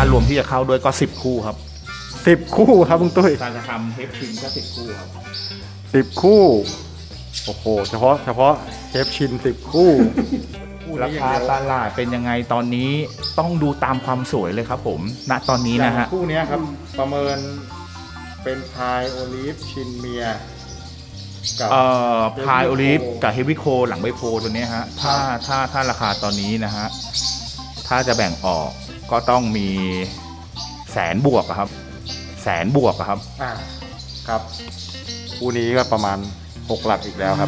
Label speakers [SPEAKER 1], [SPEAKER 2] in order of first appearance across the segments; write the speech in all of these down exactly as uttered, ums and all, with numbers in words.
[SPEAKER 1] ารวมที่จะเข้าด้วยก็สิบคู่ครับ
[SPEAKER 2] สิบคู่ครับลุงตุ้ย
[SPEAKER 1] การจะทำเทปชินก็สิบคู่ครับ
[SPEAKER 2] สิบคู่โอ้โหเฉพาะเฉพาะเทปชินสิบคู่
[SPEAKER 1] ราคาตลาดเป็นยังไงตอนนี้ต้องดูตามความสวยเลยครับผมณตอนนี้นะฮะ
[SPEAKER 2] คู่นี้ครับประเมินเป็นพายโอลิฟชินเมีย
[SPEAKER 1] กับเอ่อพายโอลิฟกับเฮฟวี่โคหลังใบโพตัวนี้ฮะถ้าถ้าถ้าราคาตอนนี้นะฮะถ้าจะแบ่งออกก็ต้องมีแสนบวกครับแสนบวกครับ
[SPEAKER 2] อ่าครับคู่นี้ก็ประมาณหกหลักอีกแล้วครับ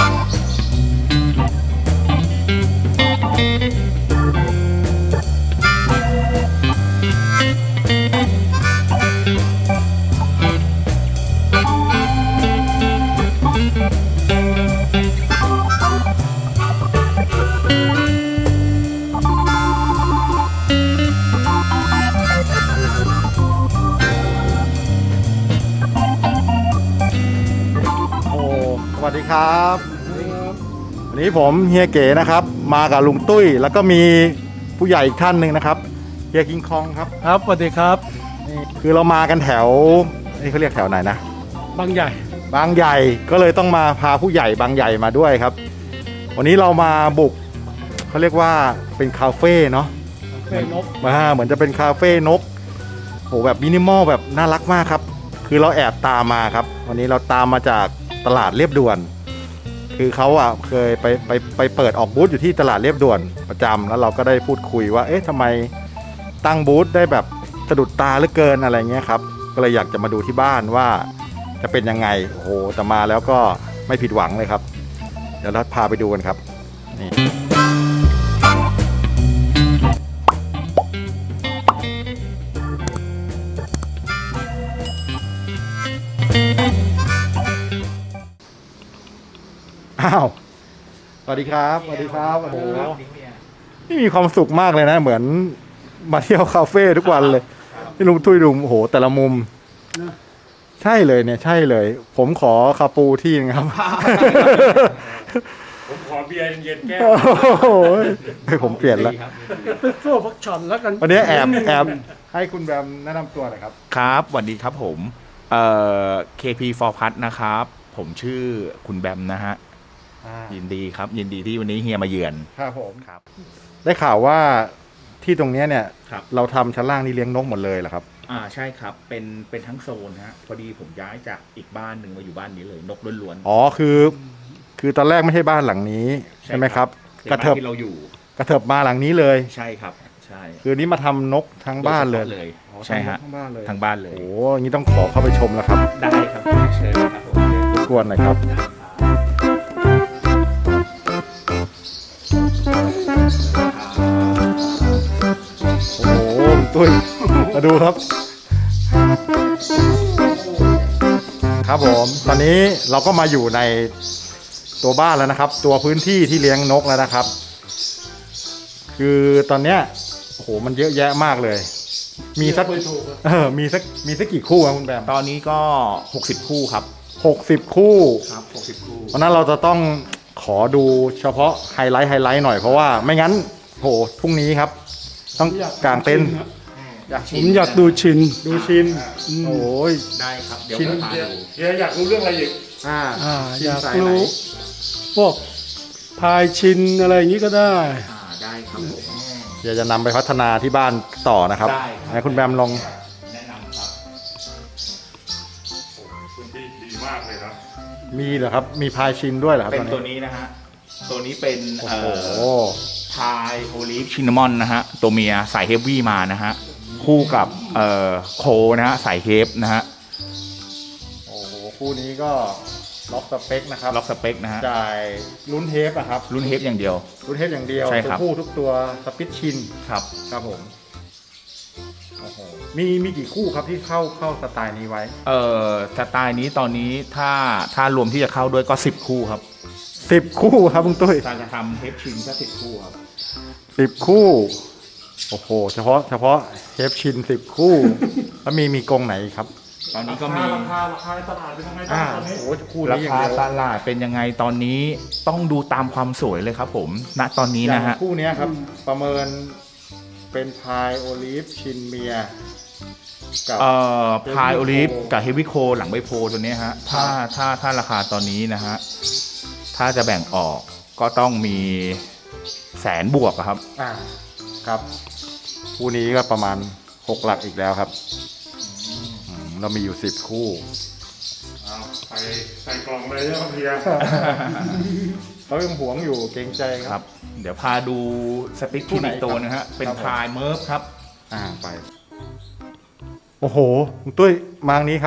[SPEAKER 2] สวัสดีครับวันนี้ผมเฮียเก๋นะครับมากับลุงตุ้ยแล้วก็มีผู้ใหญ่อีกท่านหนึ่งนะครับเฮียกิงคองครับ
[SPEAKER 3] ครับสวัสดีครับ
[SPEAKER 2] นี่คือเรามากันแถวนี่เขาเรียกแถวไหนนะ
[SPEAKER 3] บางใหญ่
[SPEAKER 2] บางใหญ่ก็เลยต้องมาพาผู้ใหญ่บางใหญ่มาด้วยครับวันนี้เรามาบุกเขาเรียกว่าเป็นคาเฟ่เนาะ
[SPEAKER 3] คาเฟ่นก
[SPEAKER 2] มาเหมือนจะเป็นคาเฟ่นกโหแบบมินิมอลแบบน่ารักมากครับคือเราแอบตามมาครับวันนี้เราตามมาจากตลาดเรียบด่วนคือเขาอ่ะเคยไปไปไปเปิดออกบูธอยู่ที่ตลาดเรียบด่วนประจำแล้วเราก็ได้พูดคุยว่าเอ๊ะทำไมตั้งบูธได้แบบสะดุดตาเหลือเกินอะไรเงี้ยครับก็เลยอยากจะมาดูที่บ้านว่าจะเป็นยังไงโอ้โหแต่มาแล้วก็ไม่ผิดหวังเลยครับเดี๋ยวเราพาไปดูกันครับนี่อ้าวสวัสดีครับสวัสดีครับโอ้โหนี่มีความสุขมากเลยนะเหมือนมาเที่ยวคาเฟ่ทุกวันเลยที่ลุงตุ้ยดูโอ้โหแต่ละมุมใช่เลยเนี่ยใช่เลยผมขอคาปูที่นึงครับ
[SPEAKER 3] ผมขอเบียร์เย็นแก้ว
[SPEAKER 2] โอ้โหให้ผมเปลี่ยนแล้ว
[SPEAKER 3] เป็นโซ่พักช็อตแล้วกัน
[SPEAKER 2] วันนี้แอบแอบให้คุณแบมแนะนำตัวหน่อยครับ
[SPEAKER 1] ครับสวัสดีครับผมเอ่อ เค พี for Plus นะครับผมชื่อคุณแบมนะฮะยินดีครับยินดีที่วันนี้เฮียมาเยือน
[SPEAKER 2] ครับผมครับได้ข่าวว่าที่ตรงนี้เนี่ยเราทำชั้นล่างนี่เลี้ยงนกหมดเลยเหรอครับ
[SPEAKER 1] อ่าใช่ครับเป็นเป็นทั้งโซนฮะพอดีผมย้ายจากอีกบ้านหนึ่งมาอยู่บ้านนี้เลยนกล้วน
[SPEAKER 2] ๆอ๋อคือคือตอนแรกไม่ใช่บ้านหลังนี้ใช่ไหมครับ
[SPEAKER 1] กระเถิบที่เราอยู่
[SPEAKER 2] กระเถิบมาหลังนี้เลย
[SPEAKER 1] ใช่ครับใช่
[SPEAKER 2] คือนี้มาทำนกทั้งบ้านเลย
[SPEAKER 1] ใช่ฮะทั้งบ้านเลยทั้งบ้านเลย
[SPEAKER 2] โอ้ยงี้ต้องขอเข้าไปชมแล้วครับ
[SPEAKER 1] ได้ครับเชิญครับผม
[SPEAKER 2] รบกวนหน่อยครับโอ้โหตุ้ยมาดูครับครับผมตอนนี้เราก็มาอยู่ในตัวบ้านแล้วนะครับตัวพื้นที่ที่เลี้ยงนกแล้วนะครับคือตอนเนี้ยโอ้โหมันเยอะแยะมากเลยมีสักเออมีสักมีสักกี่คู่ครับคุณแบม
[SPEAKER 1] ตอนนี้ก็หกสิบคู่ครับ
[SPEAKER 2] หกสิบคู่
[SPEAKER 1] ครับหกสิบคู่
[SPEAKER 2] เพราะนั้นเราจะต้องขอดูเฉพาะไฮไลท์ไฮไลท์หน่อยเพราะว่าไม่งั้นโหพรุ่งนี้ครับต้องกางเต็นท์
[SPEAKER 3] ผมอยากดูชิน
[SPEAKER 2] ดูชินโอ้ย
[SPEAKER 1] ได้ครับเดี๋ยวผมพาดู
[SPEAKER 2] เดี๋ยวอยากรู้เรื่องอะไรอีก
[SPEAKER 3] อ่าอยากรู้พวกพายชินอะไรอย่างนี้ก็ได้
[SPEAKER 1] อ่าได้ครับ
[SPEAKER 2] เดี๋ยวจะนำไปพัฒนาที่บ้านต่อนะครับให้คุณแบมลอง
[SPEAKER 1] แนะนำครับ
[SPEAKER 3] พื้นที่ดีมากเลยครับ
[SPEAKER 2] มีเหรอครับมีพายชินด้วยเหรอครับ
[SPEAKER 1] เป็นตัวนี้นะฮะตัวนี้เป็น
[SPEAKER 2] โอ้โห
[SPEAKER 1] พายโอลิฟชินนามอนนะฮะตัวเมียสายเฮฟวี่มานะฮะคู่กับเอ่อโคนะฮะสายเฮฟนะฮะ
[SPEAKER 2] โอ้โหคู่นี้ก็ล็อกสเปคนะครับ
[SPEAKER 1] ล็อกสเปคนะฮะ
[SPEAKER 2] จ่ายลุ้นเทปอะครับ
[SPEAKER 1] ลุ้นเทปอย่างเดียว
[SPEAKER 2] ลุ้นเทปอย่างเดียวตัวผู้ทุกตัวสปิทชิน
[SPEAKER 1] ครับ
[SPEAKER 2] ครับผมโอ้โหมีมีกี่คู่ครับที่เข้าเข้าสไตล์นี้ไว้
[SPEAKER 1] เอ่อสไตล์นี้ตอนนี้ถ้าถ้ารวมที่จะเข้าด้วยก็สิบคู่ครับ
[SPEAKER 2] สิบคู่ครับลุงตุ้ย
[SPEAKER 1] การจะทำเทปชินก็สิบคู่ครับ
[SPEAKER 2] สิบคู่โอ้โหเฉพาะเฉพาะเทปชินสิบคู่แล้วมีมีกรงไหนครับ
[SPEAKER 1] ตอนนี้ก็มี
[SPEAKER 3] ราคาราคาตลาดเป็นยังไงบ้างตอนนี้
[SPEAKER 2] โอ้คู่
[SPEAKER 1] ราคาตลาดเป็นยังไงตอนนี้ต้องดูตามความสวยเลยครับผมณตอนนี้นะฮะ
[SPEAKER 2] คู่นี้ครับประเมินเป็นพายโอลิฟชินเมียกับ
[SPEAKER 1] เอ่อพายโอลิฟ
[SPEAKER 2] Heavy Coal
[SPEAKER 1] กับเฮฟวี่โคหลังใบโพตัวเนี้ยฮะถ้าถ้าถ้าราคาตอนนี้นะฮะถ้าจะแบ่งออกก็ต้องมีแสนบวกอะครับ
[SPEAKER 2] อ่าครับคู่นี้ก็ประมาณหกหลักอีกแล้วครับอืมเรามีอยู่สิบคู่
[SPEAKER 3] เอาใส่ใส่กล่องเลยเนี่ยครับเฮีย
[SPEAKER 2] เขายังหวงอยู่เกรงใจค
[SPEAKER 1] ค
[SPEAKER 2] รั
[SPEAKER 1] รับ บ เดี๋ยวพาดูสติ๊ก
[SPEAKER 2] คู่
[SPEAKER 1] ที่
[SPEAKER 2] ไหน
[SPEAKER 1] อีกตัวนะฮะเป็น
[SPEAKER 2] ครับผม
[SPEAKER 1] พายเมิร์ฟครับ
[SPEAKER 2] อ่าไป โอ้โหคุณตุ้ยมางนี้ครับ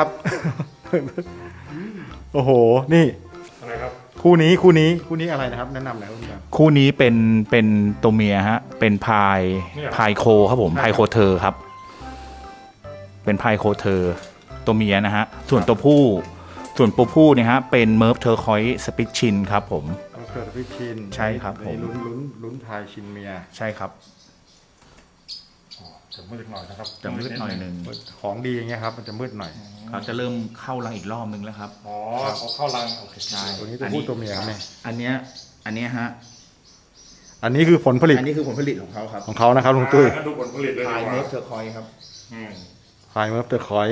[SPEAKER 2] โอ้โห นี่
[SPEAKER 3] อะไรครับ
[SPEAKER 2] คู่นี้คู่นี้คู่นี้อะไรนะครับ แนะนำหน่อยครับคุณครับ
[SPEAKER 1] คู่นี้เป็นเป็นตัวเมียฮะเป็นพาย
[SPEAKER 3] เนี่ย
[SPEAKER 1] พายโคครับผมพายโคเทอร์ครับ เป็นพายโคเทอร์ตัวเมียนะฮะส่วนตัวผู้ส่วนตัวผู้เนี่ยฮะเป็นเมิร์ฟเทอร์คอยสปิชชินครับผม
[SPEAKER 2] เอาเกิดพิชิน
[SPEAKER 1] ใช่ครับผม
[SPEAKER 2] ลุ้นลุ้นลุ้นพายชินเมีย
[SPEAKER 1] ใช่ครับ
[SPEAKER 3] จะมืดหน่อยนะครับ
[SPEAKER 1] จะมืดหน่อยหนึ่ง
[SPEAKER 2] ของดีอย่างเงี้ยครับ มันจะมืดหน่อย
[SPEAKER 1] เขาจะเริ่มเข้ารังอีกรอบนึงแล้วครับ
[SPEAKER 3] อ๋อเขาเข้ารังโอเค
[SPEAKER 1] ใช่
[SPEAKER 2] ตัวนี้ตัวผู้ตัวเมียครับเนี่ย
[SPEAKER 1] อันเนี้ยอันเนี้ยฮะ
[SPEAKER 2] อันนี้คือผลผลิต
[SPEAKER 1] อันนี้คือผลผลิตของเขาครับ
[SPEAKER 2] ของเขานะครับลุงตุ้ย
[SPEAKER 3] อ่างั้นดูผลผลิตเลย
[SPEAKER 1] พาย
[SPEAKER 3] ดีก
[SPEAKER 1] เมิร์
[SPEAKER 3] ว่า
[SPEAKER 1] ฟเทอร์คอยครับ
[SPEAKER 3] อืม
[SPEAKER 2] พายเมิร์ฟเตอร์คอย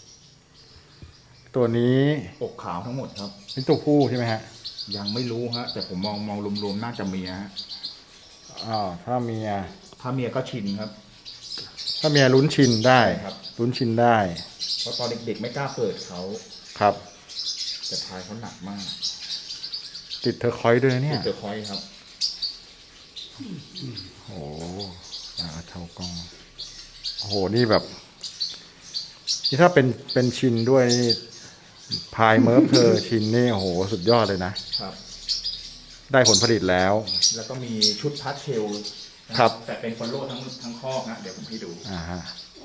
[SPEAKER 2] ตัวนี้
[SPEAKER 1] อกขาวทั้งหมดครับ
[SPEAKER 2] เป็นตัวผู้ใช่ไหมฮะ
[SPEAKER 1] ยังไม่รู้ฮะแต่ผมมองมองรวมๆน่าจะเมียฮะ
[SPEAKER 2] อ้าวถ้าเมีย
[SPEAKER 1] ถ้าเมียก็ชินครับ
[SPEAKER 2] ถ้าเมียลุ้นชินได้
[SPEAKER 1] ครับ
[SPEAKER 2] ลุ้นชินได้
[SPEAKER 1] เพราะตอนเด็กๆไม่กล้าเปิดเขา
[SPEAKER 2] ครับ
[SPEAKER 1] แต่พายเขาหนักมาก
[SPEAKER 2] ติดเทอร์คอยด้วยนะเนี่ย
[SPEAKER 1] เทอร์คอยครับ
[SPEAKER 2] โอ้โหอ่าเท่ากล้อง โอ้โห นี่แบบ นี่ถ้าเป็นเป็นชินด้วยนี่พายเมิร์ฟเธอชินนี่โอ้โห สุดยอดเลยนะ
[SPEAKER 1] ครับ
[SPEAKER 2] ได้ผลผลิตแล้ว
[SPEAKER 1] แล้วก็มีชุดพัดเชลนะครับ แต่เป็นฟอลโล่ทั้งทั้งคอกนะเดี๋ยวผมให้ดู
[SPEAKER 2] อ่าฮะ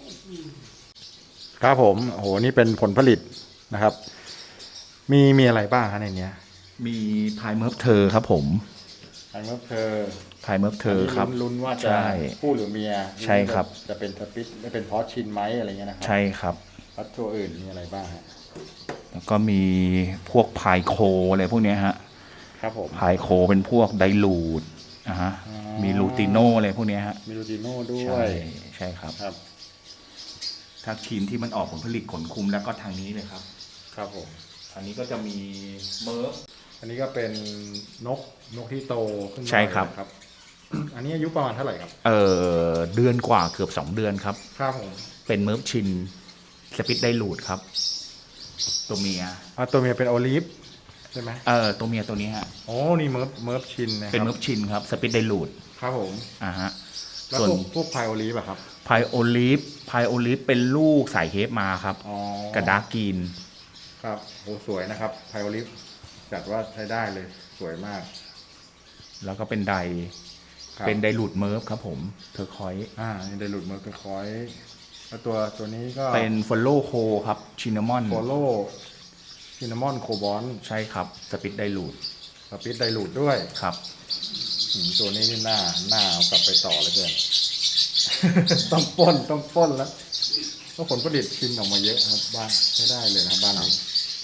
[SPEAKER 2] ครับผม โอ้โห นี่เป็นผลผลิตนะครับ มีมีอะไรบ้างฮะในเนี้ย
[SPEAKER 1] มีพายเมิร์ฟเธอครับผม
[SPEAKER 2] พายเมิร์ฟเธอ
[SPEAKER 1] พายเมิร์ฟเธอครับ
[SPEAKER 2] ลุ้นๆว่าจะ
[SPEAKER 1] ใช่
[SPEAKER 2] ผู้หรือเมีย
[SPEAKER 1] ใช่ครับ
[SPEAKER 2] จะเป็นสปิตไม่เป็นพอสชินไหมอะไรเงี้ยนะครั
[SPEAKER 1] ใช่ครับ
[SPEAKER 2] พัดตัวอื่นมีอะไรบ้างฮะ
[SPEAKER 1] แล้วก็มีพวกพายโคอะไรพวกเนี้ยฮะ
[SPEAKER 2] ครับผม
[SPEAKER 1] พายโคเป็นพวกไดลูดนะฮะ
[SPEAKER 2] อ๋อ
[SPEAKER 1] มีลูติโนอะไรพวกเนี้ยฮะ
[SPEAKER 2] มีลูติโน่ด้ว
[SPEAKER 1] ใช่
[SPEAKER 2] ย
[SPEAKER 1] ใช่ครับ
[SPEAKER 2] ครับ
[SPEAKER 1] ถ้าทีมที่มันออกผลผลิตขนคุมแล้วก็ทางนี้เลยครับ
[SPEAKER 2] ครับผม
[SPEAKER 1] อันนี้ก็จะมีเมิร์ฟ
[SPEAKER 2] อันนี้ก็เป็นนกนกที่โตขึ้นมา
[SPEAKER 1] ใช่ครับ
[SPEAKER 2] นะครับ อันนี้อายุประมาณเท่าไหร่ครับ
[SPEAKER 1] เออเดือนกว่าเกือบสองเดือนครับ
[SPEAKER 2] ครับผม
[SPEAKER 1] เป็นเมิร์ฟชินสปิดไดลูดครับ ตัวเมีย
[SPEAKER 2] อ่าตัวเมียเป็นโอลิฟใช่ไหม
[SPEAKER 1] เออตัวเมียตัวนี้ฮะ
[SPEAKER 2] โอ้นี่เมิร์ฟเมิร์ฟชินนะค
[SPEAKER 1] เป็น
[SPEAKER 2] รับ
[SPEAKER 1] เมิร์ฟชินครับสปิดไดลูด
[SPEAKER 2] ครับผม
[SPEAKER 1] อ่าฮะ
[SPEAKER 2] แล้ว
[SPEAKER 1] ส่วน
[SPEAKER 2] พวกพวกพายโอลิฟอะครับ
[SPEAKER 1] พายโอลิฟพายโอลิฟเป็นลูกสายเฮฟมาครับ
[SPEAKER 2] อ๋อ
[SPEAKER 1] กระดาร์กกรีน
[SPEAKER 2] ครับโอ้สวยนะครับพายโอลิฟจัดว่าใช้ได้เลยสวยมาก
[SPEAKER 1] แล้วก็เป็นได
[SPEAKER 2] ครับ
[SPEAKER 1] เป็นไดลูดเมิร์ฟครับผมเทอร์คอย
[SPEAKER 2] อ่านี่ไดรูดเมิร์ฟเป็นคอยแล้วตัวตัวนี้ก็
[SPEAKER 1] เป็นฟอลโล่โคครับชินนามอน
[SPEAKER 2] โฟโลซินนามอนโคบอน
[SPEAKER 1] ใช่ครับสปิดไดลูด
[SPEAKER 2] สปิดไดรูดด้วย
[SPEAKER 1] ครับ
[SPEAKER 2] อืมตัวนี้นี่หน้าหน้าเอากลับไปต่อเลยเพื่อน ต้องปล้นต้องปล้นแล้วเพราะผลผลิตชินออกมาเยอะครับบ้านไม่ได้เลยนะครับบ้านนี้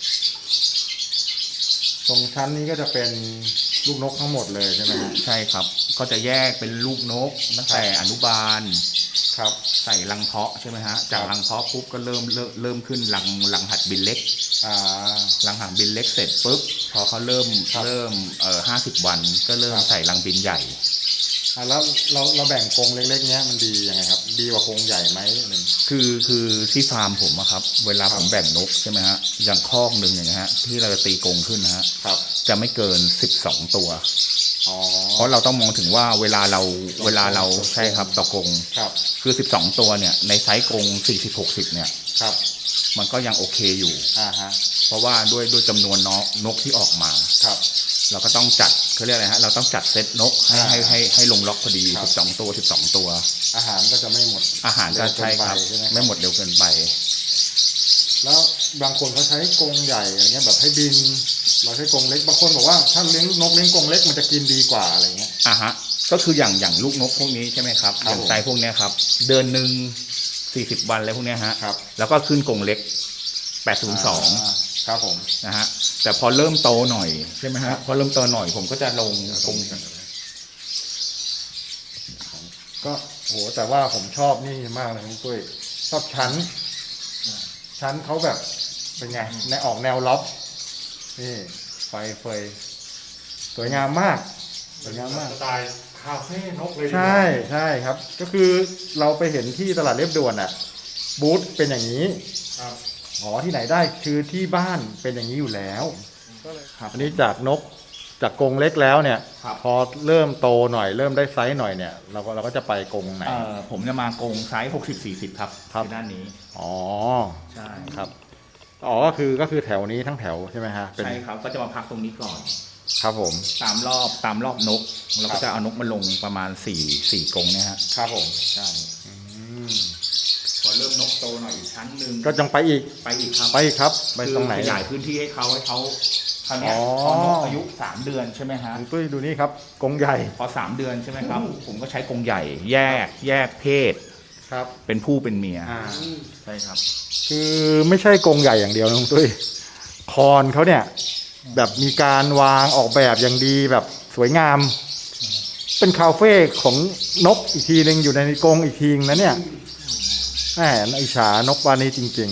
[SPEAKER 2] ตรงชั้นนี้ก็จะเป็นลูกนกทั้งหมดเลยใช่ไหมครับ
[SPEAKER 1] ใช่ครับ ก็จะแยกเป็นลูกนกตั้งแต่อนุบาล
[SPEAKER 2] ครับ
[SPEAKER 1] ใส่รังเพาะใช่ไหมฮะ จาก
[SPEAKER 2] ครับ
[SPEAKER 1] รังเพาะปุ๊บก็เริ่มเริ่มเริ่มขึ้นรังรังหัดบินเล็ก
[SPEAKER 2] อ่า
[SPEAKER 1] รังหัดบินเล็กเสร็จปุ๊บพอเขาเริ่ม
[SPEAKER 2] ครับ
[SPEAKER 1] เริ่มเอ่อห้าสิบวันก็เริ่ม
[SPEAKER 2] ครับ
[SPEAKER 1] ใส่รังบินใหญ่
[SPEAKER 2] อ่าแล้วเราเราแบ่งกรงเล็กๆเนี้ยมันดียังไงครับ ดีกว่ากรงใหญ่ไหมหนึ่ง
[SPEAKER 1] คือคือที่ฟาร์มผมอะครับ เวลา
[SPEAKER 2] ครั
[SPEAKER 1] ผ
[SPEAKER 2] บ
[SPEAKER 1] มแบ่งนกใช่ไหมฮะ อย่างคอกหนึ่งอย่างเงี้ยฮะที่เราจะตีกรงขึ้นนะฮะ
[SPEAKER 2] ครับ
[SPEAKER 1] จะไม่เกินสิบสองตัว
[SPEAKER 2] อ๋อ
[SPEAKER 1] เพราะเราต้องมองถึงว่าเวลาเรา
[SPEAKER 2] ต่อกรง
[SPEAKER 1] เวลาเรา
[SPEAKER 2] ต่อกรง
[SPEAKER 1] ใช่ครับต่อกรง
[SPEAKER 2] ครับ
[SPEAKER 1] คือสิบสองตัวเนี่ยในไซส์กรงสี่สิบหกสิบเนี่ย
[SPEAKER 2] ครับ
[SPEAKER 1] มันก็ยังโอเคอยู่
[SPEAKER 2] อ่าฮะ
[SPEAKER 1] เพราะว่าด้วยด้วยจำนวนนกนกที่ออกมา
[SPEAKER 2] ครับ
[SPEAKER 1] เราก็ต้องจัดเขาเรียกอะไรฮะเราต้องจัดเซตนกให้
[SPEAKER 2] อ่า
[SPEAKER 1] ให้ให้ให้ลงล็อกพอดี
[SPEAKER 2] ครับ
[SPEAKER 1] สิบสองตัวสิบสองตัว
[SPEAKER 2] อาหารก็จะไม่หมด
[SPEAKER 1] อาหารก็ใช่ครับ
[SPEAKER 2] เร็วเกินไปใช่ไหมครับ
[SPEAKER 1] ไม่หมดเร็วเกินไป
[SPEAKER 2] แล้วบางคนเขาใช้กรงใหญ่อะไรเงี้ยแบบให้บิน เราใช้กรงเล็กบางคนบอกว่าถ้าเลี้ยงนกเลี้ยงกรงเล็กมันจะกินดีกว่าอะไรเงี้ย
[SPEAKER 1] อ่ะฮะก็คืออย่างอย่างลูกนกพวกนี้ใช่ไหมครับ
[SPEAKER 2] ครับ
[SPEAKER 1] อย่างไซส์พวกเนี้ยครับ เดือนหนึ่งสี่สิบวันอะไรพวกเนี้ยฮะ
[SPEAKER 2] ครับ
[SPEAKER 1] แล้วก็ขึ้นกรงเล็กแปดศูนย์สอง
[SPEAKER 2] าครับผม
[SPEAKER 1] นะฮะแต่พอเริ่มโตหน่อยใช่ไหมฮะพอเริ่มโตหน่อยผมก็จะลงกรงก
[SPEAKER 2] ก็โหแต่ว่าผมชอบนี่มากเลยคุณปุ้ยชอบชั้น ชั้นเขาแบบเป็นไงในออกแนวล็อบนี่ไฟเฟยสวยงามมากสวยงามมาก
[SPEAKER 3] สไตล์คาเฟ่นกเลย
[SPEAKER 2] ใช่ใช่ครับ ก็คือเราไปเห็นที่ตลาดเรียบด่วนอ่ะบูธเป็นอย่างนี้
[SPEAKER 3] ครับ
[SPEAKER 2] อ๋อที่ไหนได้คือที่บ้านเป็นอย่างนี้อยู่แล้ว
[SPEAKER 3] ก็เลย
[SPEAKER 1] ครับ
[SPEAKER 2] อันนี้จากนกจากกรงเล็กแล้วเนี่ย
[SPEAKER 1] ครับ
[SPEAKER 2] พอเริ่มโตหน่อยเริ่มได้ไซส์หน่อยเนี่ยเราก็เราก็จะไปกรงไหน
[SPEAKER 1] เอ่อผมจะมากงไซส์หกสิบสี่สิบครับ
[SPEAKER 2] ครับ
[SPEAKER 1] ที่ด้านนี้
[SPEAKER 2] อ๋อ
[SPEAKER 1] ใช่
[SPEAKER 2] ครับอ๋อก็คือก็คือแถวนี้ทั้งแถวใช่ไหมฮะเป็น
[SPEAKER 1] ใช่ครับก็จะมาพักตรงนี้ก่อน
[SPEAKER 2] ครับผม
[SPEAKER 1] ตามรอบตามรอบนกเราก็จะเอานกมาลงประมาณสี่สี่กรงเนี่ยฮะ
[SPEAKER 2] ครับผม
[SPEAKER 1] ใช่
[SPEAKER 2] อืม
[SPEAKER 1] พอเริ่มนกโตหน่อยอีกชั้นหนึ่ง
[SPEAKER 2] ก็จังไปอีก
[SPEAKER 1] ไปอีกครับ
[SPEAKER 2] ไปอีกครับไป
[SPEAKER 1] คือ
[SPEAKER 2] ตรงไหน
[SPEAKER 1] ขยายพื้นที่ให้เขาให้เขาคราวเนี้ย
[SPEAKER 2] อ๋อ
[SPEAKER 1] พอนกอายุสามเดือนใช่ไหมฮะ
[SPEAKER 2] คุณตุ้ยดูนี่ครับกรงใหญ่
[SPEAKER 1] พอสามเดือนใช่ไหมครับ ผมก็ใช้กรงใหญ่ แยกแยกเพศ
[SPEAKER 2] ครับ
[SPEAKER 1] เป็นผู้เป็นเมีย
[SPEAKER 2] อ่า
[SPEAKER 1] ใช่ครับ
[SPEAKER 2] คือไม่ใช่กรงใหญ่อย่างเดียวนะคุณตุ้ยคอนเขาเนี่ย แบบมีการวางออกแบบอย่างดีแบบสวยงาม เป็นคาเฟ่ของนกอีกทีหนึ่งอยู่ในกรงอีกทีนึงนะเนี่ยแหมน่าอิจฉานกวานี้จริง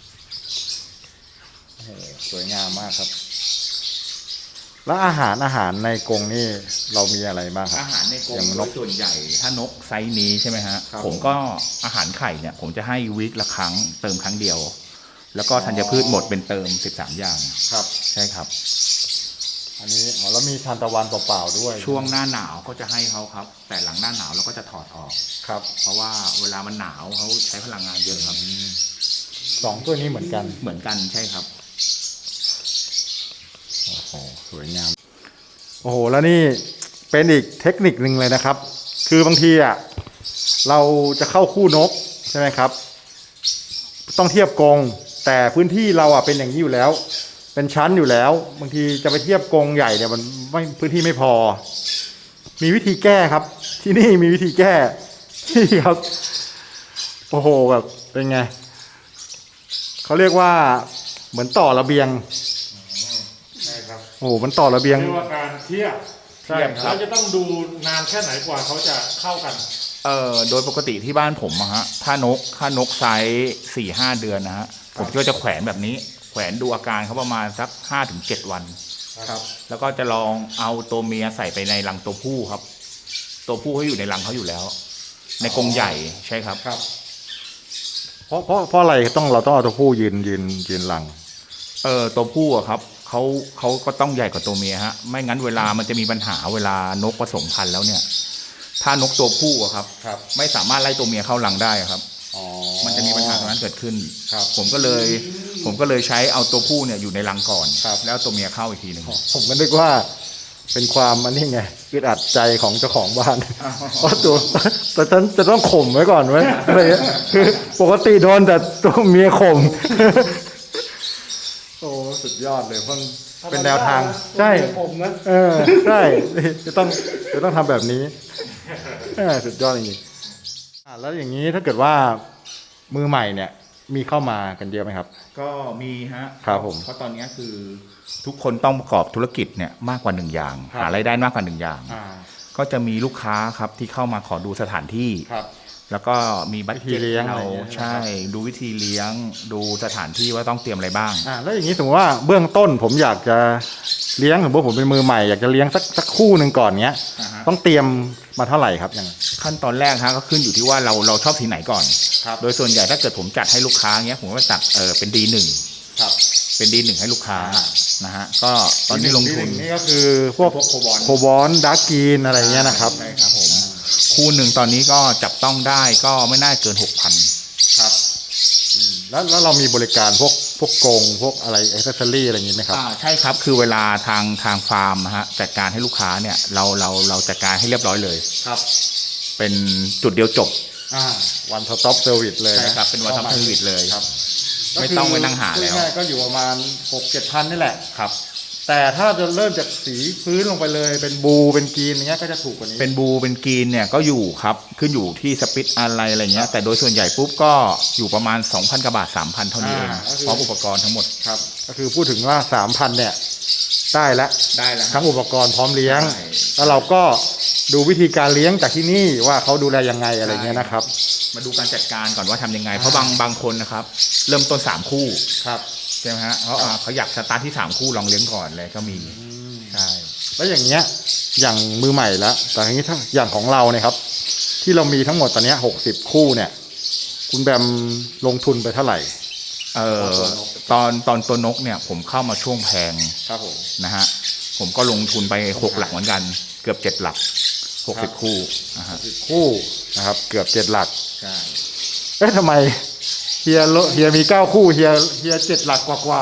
[SPEAKER 2] ๆโอ้โหสวยงามมากครับ แล้วอาหารอาหารในกรงนี่เรามีอะไรบ้างครั
[SPEAKER 1] อา
[SPEAKER 2] บ
[SPEAKER 1] หารในกร
[SPEAKER 2] อย่าง
[SPEAKER 1] ง
[SPEAKER 2] น
[SPEAKER 1] น
[SPEAKER 2] ก
[SPEAKER 1] กส่วนใหญ่ ถ้านกไซส์นี้ใช่ไหมฮะ
[SPEAKER 2] ครับ
[SPEAKER 1] ผมก็อาหารไข่เนี่ย ผมจะให้วีคละครั้งเติมครั้งเดียว แล้วก็ธัญพืชหมดเป็นเติมสิบสามอย่าง
[SPEAKER 2] ครับ
[SPEAKER 1] ใช่ครับ
[SPEAKER 2] อันนี้อ๋อแล้วมีทานตะวันเปล่าๆด้วย
[SPEAKER 1] ช่วงหน้าหนาวก็จะให้เขาครับ แต่หลังหน้าหนาวเราก็จะถอดออก
[SPEAKER 2] ครับ
[SPEAKER 1] เพราะว่าเวลามันหนาวเขาใช้พลังงานเยอะครับ
[SPEAKER 2] สองตัวนี้เหมือนกัน
[SPEAKER 1] เหมือนกันใช่ครับ
[SPEAKER 2] โอ้โหสวยงาม โอ้โห แล้วนี่เป็นอีกเทคนิคหนึ่งเลยนะครับ คือบางทีอ่ะเราจะเข้าคู่นกใช่ไหมครับ ต้องเทียบกรงแต่พื้นที่เราอ่ะเป็นอย่างนี้อยู่แล้ว เป็นชั้นอยู่แล้ว บางทีจะไปเทียบกรงใหญ่เนี่ยมันไม่พื้นที่ไม่พอ มีวิธีแก้ครับ ที่นี่มีวิธีแก้ ที่ครับ โอ้โหแบบเป็นไงเขาเรียกว่าเหมือนต่อระเบียง
[SPEAKER 3] ใช่ครับ
[SPEAKER 2] โอ้โหมันต่อระเบียง
[SPEAKER 3] เรียกว่าการเทียบ
[SPEAKER 2] ใช่ครับ
[SPEAKER 3] เราจะต้องดูนานแค่ไหนกว่าเขาจะเข้ากัน
[SPEAKER 1] เอ่อโดยปกติที่บ้านผมอะฮะถ้านกถ้านกไซส์สี่ห้าเดือนนะฮะผมก็จะแขวนแบบนี้ แขวนดูอาการเขาประมาณสักห้าถึงเจ็ดวัน
[SPEAKER 2] ครับ
[SPEAKER 1] แล้วก็จะลองเอาตัวเมียใส่ไปในรังตัวผู้ครับ ตัวผู้เขาอยู่ในรังเขาอยู่แล้ว ในกรงใหญ่ใช่ครับ
[SPEAKER 2] ครับ เพราะเพราะเพราะอะไรต้องเราต้องเอาตัวผู้ยืนยืนยืนหลัง
[SPEAKER 1] เออตัวผู้อะครับเขาเขาก็ต้องใหญ่กว่าตัวเมียฮะ ไม่งั้นเวลามันจะมีปัญหาเวลานกผสมพันธุ์แล้วเนี่ย ถ้านกตัวผู้อะครับ
[SPEAKER 2] ครับ
[SPEAKER 1] ไม่สามารถไล่ตัวเมียเข้ารังได้อะครับ
[SPEAKER 2] อ๋อ
[SPEAKER 1] มันจะมีปัญหาตรงนั้นเกิดขึ้น
[SPEAKER 2] ครับ
[SPEAKER 1] ผมก็เลย ผมก็เลยใช้เอาตัวผู้เนี่ยอยู่ในรังก่อน
[SPEAKER 2] ครับ
[SPEAKER 1] แล้วตัวเมียเข้าอีกทีหนึ่ง
[SPEAKER 2] ผมก็นึกว่าเป็นความอันนี้ไงอึดอัดใจของเจ้าของบ้านเพราะตัวแต่ฉันจะต้องข่มไว้ก่อนไว้อะไรเงี้ยคือปกติโดนแต่ตัวเมียข่ม โอ้สุดยอดเลยเพิ่งเป็นแนวทางใช่
[SPEAKER 3] ผมนะ
[SPEAKER 2] เออใช่จะต้องจะต้องทำแบบนี้เออสุดยอดจริงๆอ่ะแล้วอย่างนี้ถ้าเกิดว่ามือใหม่เนี่ยมีเข้ามากันเยอะไหมครับ
[SPEAKER 1] ก็มีฮะ
[SPEAKER 2] ครับผม
[SPEAKER 1] เพราะตอนนี้คือทุกคนต้องประกอบธุรกิจเนี่ยมากกว่าหนึ่งอย่าง
[SPEAKER 2] ครับ
[SPEAKER 1] หารายได้มากกว่าหนึ่งอย่าง
[SPEAKER 2] อ่า
[SPEAKER 1] ก็จะมีลูกค้าครับที่เข้ามาขอดูสถานที่
[SPEAKER 2] ครับ
[SPEAKER 1] แล้วก็มีบัต
[SPEAKER 2] วิธีเลี้ยงอะไร
[SPEAKER 1] เรา
[SPEAKER 2] อย่างเงี้ย
[SPEAKER 1] ใช่ ดูวิธีเลี้ยง ดูสถานที่ว่าต้องเตรียมอะไรบ้าง
[SPEAKER 2] อ่าแล้วอย่างนี้สมมติว่าเบื้องต้นผมอยากจะเลี้ยงสมมติผมเป็นมือใหม่อยากจะเลี้ยงสักสักคู่หนึ่งก่อนเนี้ย
[SPEAKER 1] อ่าฮะ
[SPEAKER 2] ต้องเตรียมมาเท่าไหร่ครับยังไง
[SPEAKER 1] ขั้นตอนแรกฮะก็ขึ้นอยู่ที่ว่าเราเราชอบสีไหนก่อน
[SPEAKER 2] ครับ
[SPEAKER 1] โดยส่วนใหญ่ถ้าเกิดผมจัดให้ลูกค้าเงี้ยผมก็จัดเออเป็นดีหนึ่ง
[SPEAKER 2] ครับ
[SPEAKER 1] เป็นดีหนึ่งให้ลูกค้า
[SPEAKER 2] อ่า
[SPEAKER 1] นะฮะก็ตอนนี้ลงทุน
[SPEAKER 2] นี่ก็คือพวก
[SPEAKER 1] พวกโคบอล
[SPEAKER 2] โคบอลดาร์กรีนอะไรเงี้ยนะครับ
[SPEAKER 1] ใช่ครับผมคู่หนึ่งตอนนี้ก็จับต้องได้ก็ไม่น่าเกินหกพัน
[SPEAKER 2] ครับแล้วแล้วเรามีบริการพวกพวกกรงพวกอะไรอ็อกเซสซอรี่อะไรอย่างนี้ไหมครับ
[SPEAKER 1] อ่าใช่ครับคือเวลาทางทางฟาร์มนะฮะจัดการให้ลูกค้าเนี่ยเราเราเราจัดการให้เรียบร้อยเลย
[SPEAKER 2] ครับ
[SPEAKER 1] เป็นจุดเดียวจบ
[SPEAKER 2] อ่าวันสต็อปเซอร์วิสเลย
[SPEAKER 1] ใช่
[SPEAKER 2] นะครับ
[SPEAKER 1] เป็นวันทับเซอร์วิสเลย
[SPEAKER 2] ครับ
[SPEAKER 1] ไม่ต้องไปนั่งหาแล้ว
[SPEAKER 2] ง่ายๆก็อยู่ประมาณหกเจ็ดพันนี่แหละ
[SPEAKER 1] ครับ
[SPEAKER 2] แต่ถ้าจะเริ่มจากสีพื้นลงไปเลยเป็นบลูเป็นกรีนอย่างเงี้ยก็จะถูกกว่านี้
[SPEAKER 1] เป็นบูเป็นกรีนเนี่ยก็อยู่ครับขึ้นอยู่ที่สปิตอะไรอะไรเงี้ยแต่โดยส่วนใหญ่ปุ๊บก็อยู่ประมาณ สองพันกว่าบาท สามพัน เท่านี้เอง
[SPEAKER 2] อ่าก็คือ
[SPEAKER 1] พร้อมอุปกรณ์ทั้งหมด
[SPEAKER 2] ครับก็คือพูดถึงว่าสามพันเนี่ยได้แล้ว
[SPEAKER 1] ได้แล้ว
[SPEAKER 2] ทั้งอุปกรณ์พร้อมเลี้ยง
[SPEAKER 1] ใช่
[SPEAKER 2] แล้วเราก็ดูวิธีการเลี้ยงจากที่นี่ว่าเขาดูแลยังไงอะไรเงี้ยนะครับ
[SPEAKER 1] มาดูการจัดการก่อนว่าทำยังไง เพราะบางบางคนนะครับ เริ่มต้นสามคู่
[SPEAKER 2] ครับ
[SPEAKER 1] ใช่ไหมฮะเขาอ่าเขาอยากสตาร์ทที่สามคู่ลองเลี้ยงก่อนเลยก็มีใช่
[SPEAKER 2] แล้วอย่างเงี้ยอย่างมือใหม่แล้วแต่อย่างนี้ถ้าอย่างของเราเนี่ยครับ ที่เรามีทั้งหมดตอนเนี้หกสิบคู่เนี่ย คุณแบมลงทุนไปเท่าไหร่
[SPEAKER 1] เอ่อตอนตอนตัวนกเนี่ยผมเข้ามาช่วงแพง
[SPEAKER 2] ครับผม
[SPEAKER 1] นะฮะผมก็ลงทุนไปหกหลักเหมือนกัน เกือบเจ็ดหลักหกสิบคู่นะฮะ
[SPEAKER 2] คู่นะครับ เกือบเจ็ดหลัก
[SPEAKER 1] ใช่
[SPEAKER 2] เอ๊ะทำไมเฮียโลเฮียมีเก้าคู่เฮียเฮียเจ็ดหลักกว่ากว่า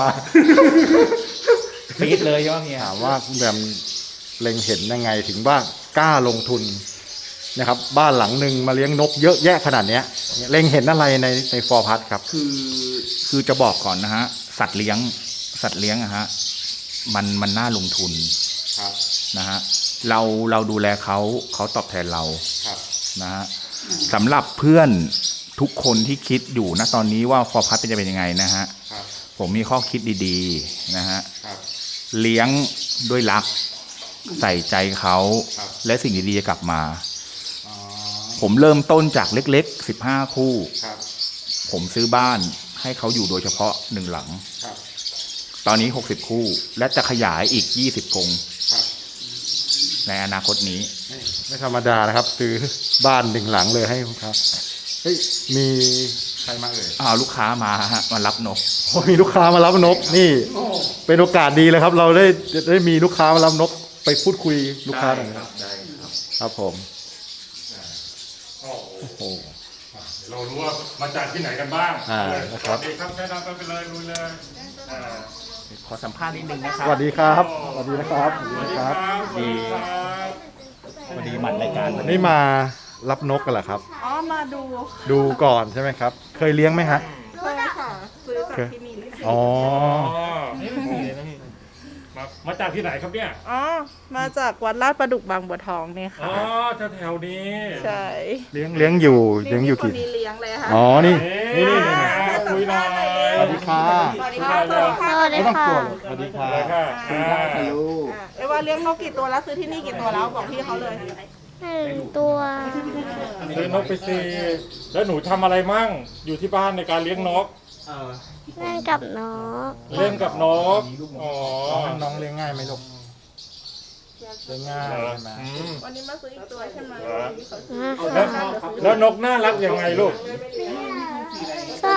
[SPEAKER 1] ปีดเลยใช่ไหมเฮีย
[SPEAKER 2] ถามว่าคุณแบมเล็งเห็นยังไงถึงว่ากล้าลงทุนนะครับ บ้านหลังหนึ่งมาเลี้ยงนกเยอะแยะขนาดเนี้ยเล็งเห็นอะไรในในฟอร์พัทครับ
[SPEAKER 1] คือคือจะบอกก่อนนะฮะสัตว์เลี้ยงสัตว์เลี้ยงอะฮะมันมันน่าลงทุน
[SPEAKER 2] ครับ
[SPEAKER 1] นะฮะเราเราดูแลเขาเขาตอบแทนเรา
[SPEAKER 2] ครับ
[SPEAKER 1] นะฮะสำหรับเพื่อนทุกคนที่คิดอยู่นะตอนนี้ว่าฟอร์พัทจะเป็นยังไงนะฮะ
[SPEAKER 2] ครับ
[SPEAKER 1] ผมมีข้อคิดดีๆนะฮะ
[SPEAKER 2] ครับ
[SPEAKER 1] เลี้ยงด้วยรักใส่ใจเขา
[SPEAKER 2] ครับ
[SPEAKER 1] และสิ่งดีๆจะกลับมา
[SPEAKER 2] อ๋อ
[SPEAKER 1] ผมเริ่มต้นจากเล็กๆสิบห้าคู่
[SPEAKER 2] ครับ
[SPEAKER 1] ผมซื้อบ้านให้เขาอยู่โดยเฉพาะหนึ่งหลัง
[SPEAKER 2] ครับ
[SPEAKER 1] ตอนนี้หกสิบคู่ และจะขยายอีกยี่สิบกรง
[SPEAKER 2] ครับ
[SPEAKER 1] ในอนาคตนี้
[SPEAKER 2] ไม่ไม่ธรรมดานะครับซื้อบ้านหนึ่งหลังเลยให้ครับเฮ้ยมีใครมาเอ่ย
[SPEAKER 1] อ้าวลูกค้ามาฮะมารับนก
[SPEAKER 2] โอ้มีลูกค้ามารับนกนี่เป็นโอกาสดีเลยครับ เราได้ได้มีลูกค้ามารับนกไปพูดคุยลูกค้าหน่อย
[SPEAKER 1] ครับได้ครับ
[SPEAKER 2] ครับผม
[SPEAKER 3] โอ้โห
[SPEAKER 2] โอ้โห
[SPEAKER 3] เดี๋ยวเรารู้ว่ามาจากที่ไหนกันบ้าง
[SPEAKER 2] อ่า
[SPEAKER 3] เลย
[SPEAKER 2] นะครับ
[SPEAKER 3] สวัสดีครับแนะนำกันไปเลยลุยเลยอ่า
[SPEAKER 1] ขอสัมภาษณ์นิดนึงนะค
[SPEAKER 2] ส
[SPEAKER 1] รับ
[SPEAKER 2] วัสดีครับสวัสดีนะครับส
[SPEAKER 3] ส
[SPEAKER 2] วั
[SPEAKER 3] วั
[SPEAKER 2] ส
[SPEAKER 3] ส
[SPEAKER 2] ดี
[SPEAKER 3] ดี
[SPEAKER 2] ค
[SPEAKER 3] ค
[SPEAKER 2] รั
[SPEAKER 3] รั
[SPEAKER 2] บบ
[SPEAKER 3] สวัสดีครับ
[SPEAKER 1] พอดีหมัดรายการ
[SPEAKER 2] วันนี้มารับนกกันเหรอครับ
[SPEAKER 4] อ๋อ มาดู
[SPEAKER 2] ดูก่อนใช่ไหมครับ เคยเลี้ยงไหมฮะ
[SPEAKER 4] เคยค่ะซื้อจากที่นี่
[SPEAKER 2] อ๋อ
[SPEAKER 3] อ๋อมามาจากที่ไหนครับเนี่ย
[SPEAKER 4] อ๋อ มาจากวัดลาดประดุกบางบัวทองเนี่ย
[SPEAKER 3] อ๋
[SPEAKER 4] ค่ะ
[SPEAKER 3] อแถวๆนี้
[SPEAKER 4] ใช่
[SPEAKER 2] เลี้ยงเลี้ยงอยู่เลี้ยงอยู่
[SPEAKER 4] คน
[SPEAKER 2] กี่
[SPEAKER 4] นี้เลี้ยงเลยค่ะ
[SPEAKER 2] อ๋อนี่
[SPEAKER 3] นี่
[SPEAKER 2] นี่
[SPEAKER 3] นี่
[SPEAKER 2] นี่
[SPEAKER 3] นี่
[SPEAKER 2] นี่
[SPEAKER 3] คุยหน่อย
[SPEAKER 2] สวัสดีค่ะ
[SPEAKER 4] สวัสดีค่ะ สวัสดีค่ะ
[SPEAKER 2] ไม่ต้องกลัวหรอกสวัสดีค่ะ
[SPEAKER 3] เลยค่ะอ่า
[SPEAKER 4] อ่ะเอ้ยว่าเลี้ยงนกกี่ตัวแล้วซื้อที่นี่กี่ตัวแล้วบอกพี่เขาเลย
[SPEAKER 5] หนึ่งตัว
[SPEAKER 3] ซื้อนกไปสิแล้วหนูทำอะไรมั่งอยู่ที่บ้านในการเลี้ยงนก
[SPEAKER 5] เล่นกับน้อง
[SPEAKER 3] เล่นกับนกอ๋อ
[SPEAKER 2] น้องน้องเลี้ยงง่ายไหมลูกเลี้ยงง่าย
[SPEAKER 3] เออ
[SPEAKER 2] ใช่ไหม
[SPEAKER 3] อืม
[SPEAKER 4] วันนี้มาซื้ออีกตัวใช่ไหม
[SPEAKER 3] แล้วแล้วนกน่ารักยังไงลูก
[SPEAKER 5] ก็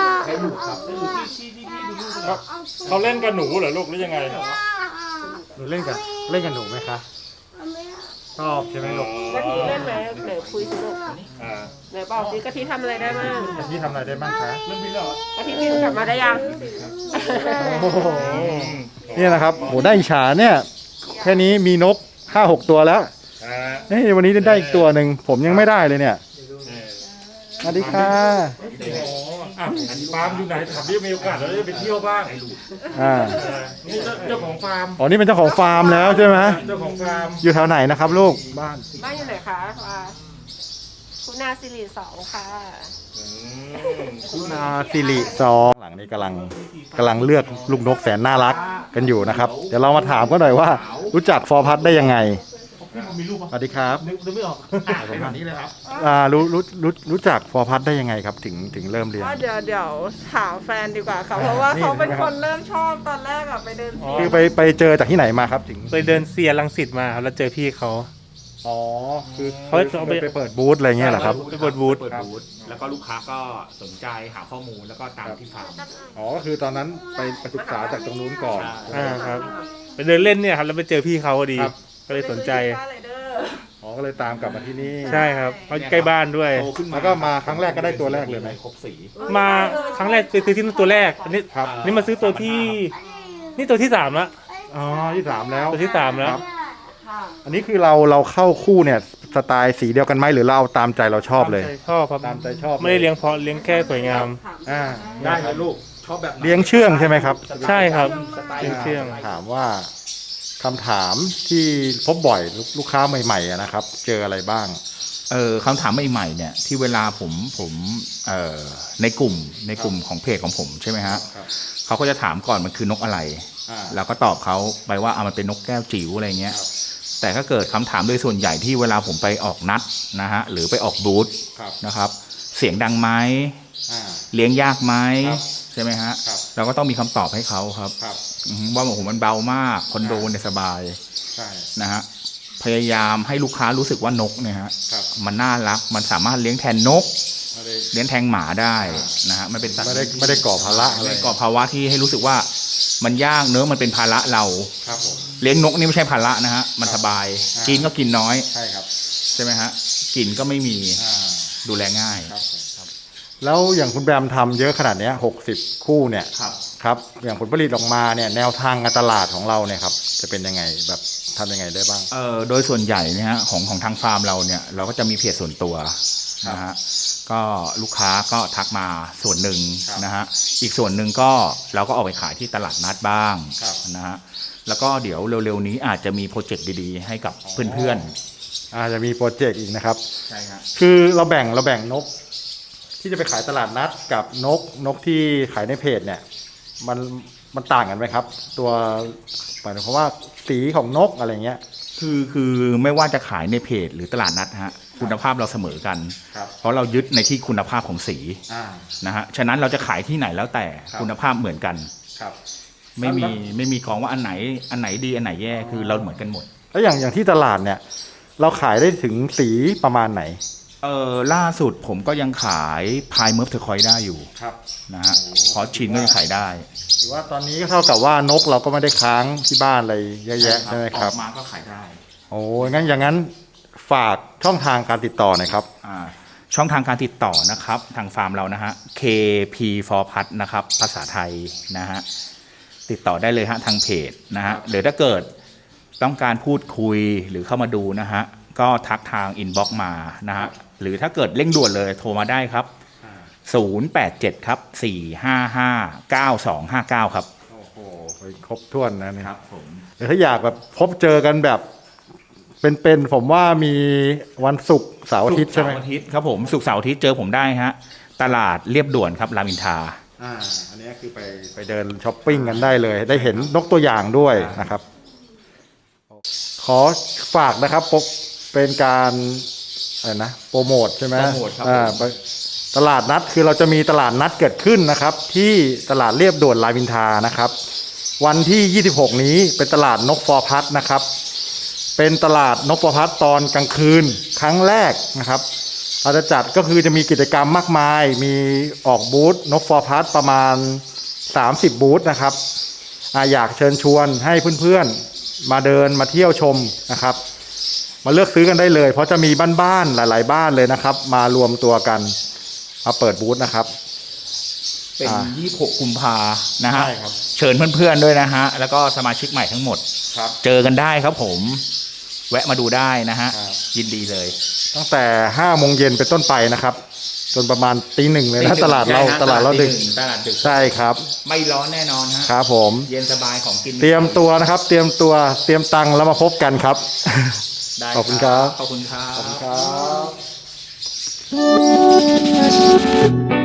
[SPEAKER 3] เขาเขาเล่นกับหนูเหรอลูกหรือยังไง
[SPEAKER 2] หนูเล่นกับเล่นกับหนูไหมคะชอบใช่ไหมลูก
[SPEAKER 4] กะทิเล่นไหมเดี๋ยวคุยสิลูก
[SPEAKER 3] อ่า
[SPEAKER 4] เดี๋ยวบอกสิกะทิทำอะไรได้บ้าง
[SPEAKER 2] พี่ทำอะไรได้บ้างคะ
[SPEAKER 3] เรื่องบินเหรอก
[SPEAKER 4] ะทิบินกลับมาได้ยัง
[SPEAKER 2] โอ้โห
[SPEAKER 3] อืม
[SPEAKER 2] เนี่ยนะครับโหได้อิจฉาเนี่ยแค่นี้มีนกห้าหกตัวแล้ว
[SPEAKER 3] อ่า
[SPEAKER 2] เฮ้ยวันนี้ได้อีกตัวหนึ่งผมยังไม่ได้เลยเนี่ย
[SPEAKER 3] นี่
[SPEAKER 2] สวัสดีค่ะ
[SPEAKER 3] โอ้โหอ่ะฟาร์มอยู่ไหนถามดิมีโอกาสเราจะไปเที่ยวบ้าง
[SPEAKER 2] อ่า
[SPEAKER 3] เออนี่เจ้าเจ้าของฟาร์ม
[SPEAKER 2] อ๋อนี่เป็นเจ้าของฟาร์มแล้วใช่ไหม
[SPEAKER 3] เจ้าของฟาร์ม
[SPEAKER 2] อยู่แถวไหนนะครับลูกบ้าน
[SPEAKER 4] บ้านอยู่ไหนคะว่าคุณนาสิริสองค่ะ
[SPEAKER 3] อืม
[SPEAKER 2] คุณอาสิริซองหลังนี้กำลังกำลังเลือกลูกนกแสนน่ารักกันอยู่นะครับ เดี๋ยวเรามาถามกันหน่อยว่า รู้จักฟอร์พัทได้ยังไงสวัสดีครับ
[SPEAKER 1] นึกไม่ออกแบบนี้เลยครับ
[SPEAKER 2] อ่ารู้รู้รู้รู้จักฟอร์พัทได้ยังไงครับ ถึงถึงเริ่มเรียน
[SPEAKER 4] ก็เดี๋ยวเดี๋ยวถามแฟนดีกว่าค่ะ เพราะว่า
[SPEAKER 2] นี่
[SPEAKER 4] เขาเป็น
[SPEAKER 2] ใช่ไหม
[SPEAKER 4] ค
[SPEAKER 2] ครับ
[SPEAKER 4] นเริ่มชอบตอนแรกอะไปเดิน
[SPEAKER 3] อ๋อ
[SPEAKER 2] คือไปไปเจอจากที่ไหนมาครับถึง
[SPEAKER 6] ไปเดินเซียรังสิตมาครับแล้วเจอพี่เขา
[SPEAKER 2] อ๋อคือ
[SPEAKER 6] เขา
[SPEAKER 2] เขา
[SPEAKER 6] ไป
[SPEAKER 2] ไปเปิดบูธอะไรเงี้ยเหรอครับ
[SPEAKER 6] ไปเปิดบูธ
[SPEAKER 1] เปิดบูธแล้วก็ลูกค้าก็สนใจหาข้อมูลแล้วก็ตามที่ฟาร์ม
[SPEAKER 2] อ๋อก็คือตอนนั้นไปไปศึกษาจากตรงนู้นก่อน
[SPEAKER 6] อ่าครับ ไปเดินเล่นเนี่ยครับแล้วไปเจอพี่เขาพอดี
[SPEAKER 2] ครับ
[SPEAKER 6] ก็เลยสนใจ
[SPEAKER 4] ไรเดอร์
[SPEAKER 2] อ๋อก็เลยตามกลับมาที่นี่
[SPEAKER 6] ใช่ครับเพราะใกล้บ้านด้วย
[SPEAKER 1] โตขึ้นมา
[SPEAKER 2] แล้วก็มาครั้งแรกก็ได้ตัวแรกเลยไหม
[SPEAKER 1] ครบสี
[SPEAKER 6] มาครั้งแรกไปซื้อที่ตัวแรกอันนี้
[SPEAKER 2] ครับ
[SPEAKER 6] นี่มาซื้อตัวที่ นี่ตัวที่สามละ
[SPEAKER 2] อ๋อที่สามแล้ว
[SPEAKER 6] ตัวที่สามแล้ว
[SPEAKER 2] ครับ อันนี้คือเราเราเข้าคู่เนี่ยสไตล์สีเดียวกันไหมหรือเราเอาตามใจเราชอบเลย
[SPEAKER 6] ชอบครับ
[SPEAKER 2] ตามใจชอบ
[SPEAKER 6] ไม่ได้เลี้ยงเพราะเลี้ยงแค่สวยงาม
[SPEAKER 2] อ่า
[SPEAKER 1] ได้เลยลูกชอบแบบไหน
[SPEAKER 2] เลี้ยงเชื่องใช่ไหมครับ
[SPEAKER 6] ใช่ครับ
[SPEAKER 1] สไตล์
[SPEAKER 6] เลี้ยงเชื่อง
[SPEAKER 2] ถามว่าคำถามที่พบบ่อยลูกลูกค้าใหม่ๆอะนะครับ เจออะไรบ้าง
[SPEAKER 1] เออคำถามใหม่ๆเนี่ยที่เวลาผมผมเอ่อในกลุ่มในกลุ่มของเพจของผมใช่ไหมฮะ
[SPEAKER 2] ครับ
[SPEAKER 1] เขาก็จะถามก่อนมันคือนกอะไร
[SPEAKER 2] อ่า
[SPEAKER 1] แล้วก็ตอบเขาไปว่าอ่ะมันเป็นนกแก้วจิ๋วอะไรเงี้ยแต่ถ้าเกิดคำถามโดยส่วนใหญ่ที่เวลาผมไปออกนัดนะฮะหรือไปออกบูธ
[SPEAKER 2] ครับ
[SPEAKER 1] นะครับ เสียงดังไหม
[SPEAKER 2] อ่า
[SPEAKER 1] เลี้ยงยากไหม
[SPEAKER 2] ครับ
[SPEAKER 1] ใช่ไหมฮะ
[SPEAKER 2] ครับ
[SPEAKER 1] เราก็ต้องมีคำตอบให้เขาครับ
[SPEAKER 2] ครับ
[SPEAKER 1] อือฮึว่าโอ้โหมันเบามากคอนโดเนี่ยสบาย
[SPEAKER 2] ใช่
[SPEAKER 1] นะฮะพยายามให้ลูกค้ารู้สึกว่านกเนี่ยฮะ
[SPEAKER 2] ครับ
[SPEAKER 1] มันน่ารักมันสามารถเลี้ยงแทนนก
[SPEAKER 2] ไม่ได้
[SPEAKER 1] เลี้ยงแทนหมาได้นะฮะมันเป็นสัตว์
[SPEAKER 2] ไม่ได้ไม่ได้ก่อภาระอะไร
[SPEAKER 1] ไม่ได้ก่อภาวะที่ให้รู้สึกว่ามันยากเนื้อะมันเป็นภาระเรา
[SPEAKER 2] ครับผม
[SPEAKER 1] เลี้ยงนกนี่ไม่ใช่ภาระนะฮะมันสบาย
[SPEAKER 2] อ่า
[SPEAKER 1] กินก็กินน้อย
[SPEAKER 2] ใช่ครับ
[SPEAKER 1] ใช่ไหมฮะกลิ่นก็ไม่มี
[SPEAKER 2] อ่า
[SPEAKER 1] ดูแลง่าย
[SPEAKER 2] ครับผมครับ แล้วอย่างคุณแบมทำเยอะขนาดเนี้หกสิบคู่เนี่ย
[SPEAKER 1] ครับ
[SPEAKER 2] ครับ อย่างผลผลิตออกมาเนี่ยแนวทางการตลาดของเราเนี่ยครับจะเป็นยังไงแบบทำยังไงได้บ้าง
[SPEAKER 1] เอ่อโดยส่วนใหญ่เนี่ยฮะของของทางฟาร์มเราเนี่ยเราก็จะมีเพจส่วนตัวนะฮะก็ลูกค้าก็ทักมาส่วนหนึ่ง
[SPEAKER 2] ครับ
[SPEAKER 1] นะฮะอีกส่วนหนึ่งก็เราก็ออกไปขายที่ตลาดนัดบ้าง
[SPEAKER 2] ครับ
[SPEAKER 1] นะฮะแล้วก็เดี๋ยวเร็วๆนี้อาจจะมีโปรเจกต์ดีๆให้กับเพื่อน
[SPEAKER 2] อาจจะมีโปรเจกต์อีกนะครับ
[SPEAKER 1] ๆใช่ฮะ
[SPEAKER 2] คือเราแบ่งเราแบ่งนก ที่จะไปขายตลาดนัดกับนกนกที่ขายในเพจเนี่ยมันมันต่างกันไหมครับ ตัวหมายถึงว่าสีของนกอะไรเงี้ย
[SPEAKER 1] คือคือไม่ว่าจะขายในเพจหรือตลาดนัดฮะคุณภาพเราเสมอกัน
[SPEAKER 2] ครับ
[SPEAKER 1] เพราะเรายึดในที่คุณภาพของสี
[SPEAKER 2] อ่า
[SPEAKER 1] นะฮะฉะนั้นเราจะขายที่ไหนแล้วแต่
[SPEAKER 2] ครับ
[SPEAKER 1] คุณภาพเหมือนกัน
[SPEAKER 2] ครับ
[SPEAKER 1] ไม่มีไม่มีของว่าอันไหนอันไหนดีอันไหนแย่คือเราเหมือนกันหมด
[SPEAKER 2] แล้วอย่างอย่างที่ตลาดเนี่ย เราขายได้ถึงสีประมาณไหน
[SPEAKER 1] เออล่าสุดผมก็ยังขายพายเมิร์ฟเทอร์คอยได้อยู่
[SPEAKER 2] ครับ
[SPEAKER 1] นะฮะพอชินก็ยังขายได้
[SPEAKER 2] ถือว่าตอนนี้ก็เท่ากับว่านกเราก็ไม่ได้ค้างที่บ้านอะไรเยอะแยะใช่ไหมครับ
[SPEAKER 1] ออกมาก็ขายได้
[SPEAKER 2] โอ้ยงั้นอย่างนั้นฝากช่องทางการติดต่อหน่อยครับ
[SPEAKER 1] อ่าช่องทางการติดต่อนะครับทางฟาร์มเรานะฮะ เค พี for Pet นะครับภาษาไทยนะฮะติดต่อได้เลยฮะทางเพจนะฮะหรือถ้าเกิดต้องการพูดคุยหรือเข้ามาดูนะฮะก็ทักทางอินบ็อกซ์มานะฮะหรือถ้าเกิดเร่งด่วนเลยโทรมาได้ครับ ศูนย์ แปด เจ็ด ครับ สี่ ห้า ห้า เก้า สอง ห้า เก้า ครับ
[SPEAKER 2] โอ้โหครบถ้วนนะเนี่ย
[SPEAKER 1] ครับผม
[SPEAKER 2] แต่ถ้าอยากแบบพบเจอกันแบบเป็นๆผมว่ามีวันศุกร์เสาร์อาทิตย์ใช่ไหม
[SPEAKER 1] ศุกร์เสาร์อาทิตย์ครับผมศุกร์เสาร์อาทิตย์เจอผมได้ฮะตลาดเรียบด่วนครับรามอินทรา
[SPEAKER 2] อ่าอันนี้คือไปไปเดินช้อปปิ้งกันได้เลย ได้เห็นนกตัวอย่างด้วยนะครับ ขอฝากนะครับปกเป็นการอะไรนะโปรโมทใช่ไหม
[SPEAKER 1] โปรโมทครับ
[SPEAKER 2] อ่า
[SPEAKER 1] ผม
[SPEAKER 2] ไปตลาดนัดคือเราจะมีตลาดนัดเกิดขึ้นนะครับ ที่ตลาดเรียบด่วนรามอินทรานะครับ วันที่ยี่สิบหกนี้เป็นตลาดนกฟอร์พัดนะครับ เป็นตลาดนกฟอร์พัดตอนกลางคืนครั้งแรกนะครับเราจะจัดก็คือจะมีกิจกรรมมากมาย มีออกบูธนกฟอร์พัดประมาณสามสิบบูธนะครับอ่าอยากเชิญชวนให้เพื่อนๆมาเดินมาเที่ยวชมนะครับ มาเลือกซื้อกันได้เลย เพราะจะมีบ้านๆหลายๆบ้านเลยนะครับ มารวมตัวกันมาเปิดบูธนะครับ
[SPEAKER 1] เป็น
[SPEAKER 2] อ่า
[SPEAKER 1] ยี่สิบหกกุมภานะฮะ
[SPEAKER 2] ใช่ครับ
[SPEAKER 1] เชิญเพื่อนๆด้วยนะฮะแล้วก็สมาชิกใหม่ทั้งหมด
[SPEAKER 2] ครับ
[SPEAKER 1] เจอกันได้ครับผม แวะมาดูได้นะฮะ
[SPEAKER 2] ครับ
[SPEAKER 1] ยินดีเลย
[SPEAKER 2] ตั้งแต่ห้าโมงเย็นเป็นต้นไปนะครับ จนประมาณตีหนึ่งเลยนะตลาดเรา
[SPEAKER 1] ใช่ฮะ
[SPEAKER 2] ตลาดเราดึก
[SPEAKER 1] ตีหนึ่งตลาดดึก
[SPEAKER 2] ใช่ครับ
[SPEAKER 1] ไม่ร้อนแน่นอนฮะ
[SPEAKER 2] ครับผม
[SPEAKER 1] เย็นสบายของกิน
[SPEAKER 2] เตรียมตัวนะครับ เตรียมตัวเตรียมตังค์แล้วมาพบกันครับ
[SPEAKER 1] ได้
[SPEAKER 2] ขอบคุณครับ
[SPEAKER 1] ขอบคุณครับ
[SPEAKER 2] ครับ